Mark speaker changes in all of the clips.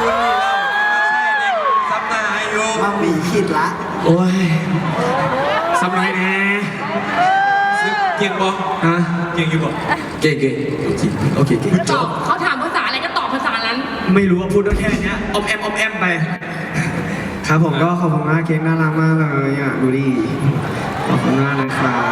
Speaker 1: คุณนี่เราไม่ใช่เด็กซับหน้าให้อยู่
Speaker 2: มาหมีขิดละ
Speaker 3: โอ้ยสำไรแน่
Speaker 1: เก่งบ่
Speaker 3: ฮะ
Speaker 1: เก่งอยู่บ่
Speaker 3: เก่งโอเคเก่ง
Speaker 4: ตอบเขาถามภาษาอะไรก็ตอบภาษานั้น
Speaker 3: ไม่รู้ว่าพูดได้แค่เนี้ยอมแอมไปครับผมก็ขอบคุณมากเค้กน่ารักมากเลยอ่ะดูดิขอบคุณมากเลย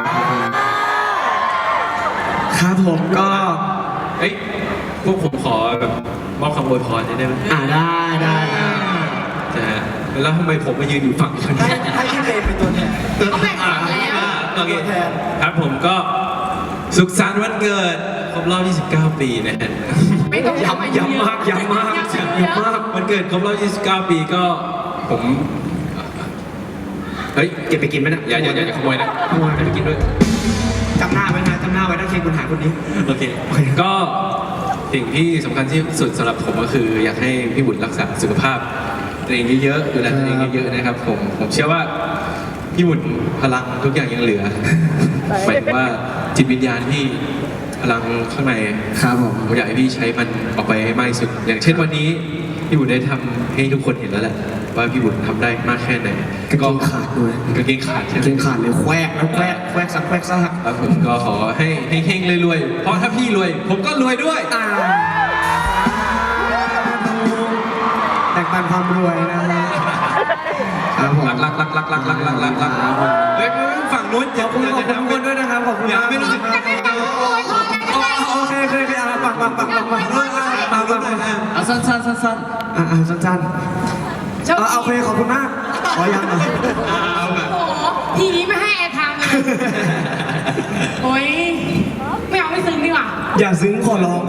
Speaker 3: ครับผมก็
Speaker 1: เฮ้ยพวกผมขอแบบมอบคำอวยพรได้ไหม
Speaker 3: ได้
Speaker 1: นะฮะแล้วทำไมผมมายืนอยู่ฝั่งคน
Speaker 2: ให้
Speaker 1: นี้
Speaker 2: ให้พี่เบย์เป็นตัวแทน
Speaker 4: เขาแบ่งฝั่งแล้ว
Speaker 1: โอเค
Speaker 2: ตัวแทน
Speaker 1: ครับผมก็สุขสันต์วันเกิดครบรอบ29 ปีนะฮะ
Speaker 4: ไม่ต้องย้ำ
Speaker 3: ย้ำมาก
Speaker 1: วันเกิดครบรอบ29 ปีก็ผมเฮ้ย
Speaker 3: เก็บไปกินไหมนะ
Speaker 1: อย่าขโมยนะ
Speaker 3: ขโมย
Speaker 1: ไปกินด้วย
Speaker 3: จำหน้าไว้นะถ้าเค้กคุณหาคนนี้
Speaker 1: โอเค ก็สิ่งที่สำคัญที่สุดสำหรับผมก็คืออยากให้พี่บุญรักษาสุขภาพตัวเองเยอะๆดูแลตัวเองเยอะๆนะครับผมเชื่อว่าพี่บุญพลังทุกอย่างยังเหลือหมายถึงว่าจิตวิญญาณที่พลังข้างใน
Speaker 3: ครับผม
Speaker 1: ผมอยากให้พี่ใช้มันออกไปให้มากที่สุด อย่างเช่นวันนี้พี่บุญได้ทำให้ทุกคนเห็นแล้วแหละว่าพี่บุญทำได้มากแค่ไหน
Speaker 3: กางเกงขาดด้วย
Speaker 1: กางเกงขาดใช่ไหม
Speaker 3: เกงขาดเลยแควกแล้วแควกซัก
Speaker 1: ครับผมก็ขอให้เฮงๆรวยๆเพราะถ้าพี่รวย ผมก็รวยด้วย
Speaker 3: แบ่งปันความรวยนะฮะครับผม
Speaker 1: รักเฮ้ยฝั่งนู้นอย่า
Speaker 3: ขอบคุณทุกคนด้วยนะครับขอบคุณ
Speaker 1: อย่าม
Speaker 3: าก
Speaker 1: ไม่รู้สึก
Speaker 3: โอเคปักฝั่งนู้นสั้นสั้นโอเคขอบคุณมากขอยังหน่อย
Speaker 1: เอาแบบ
Speaker 4: โอ้โหทีนี้ไม่ให้แอร์ไทม์เลยโอ้ยไม่เอาไม่ซึ้งดีกว่า
Speaker 3: อย่าซึ้งขอร้อง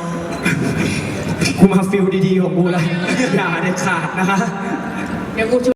Speaker 3: กูมาฟิลดีๆของกูเลยอย่าเด็ดขาดนะคะ
Speaker 4: เดี๋ยวกู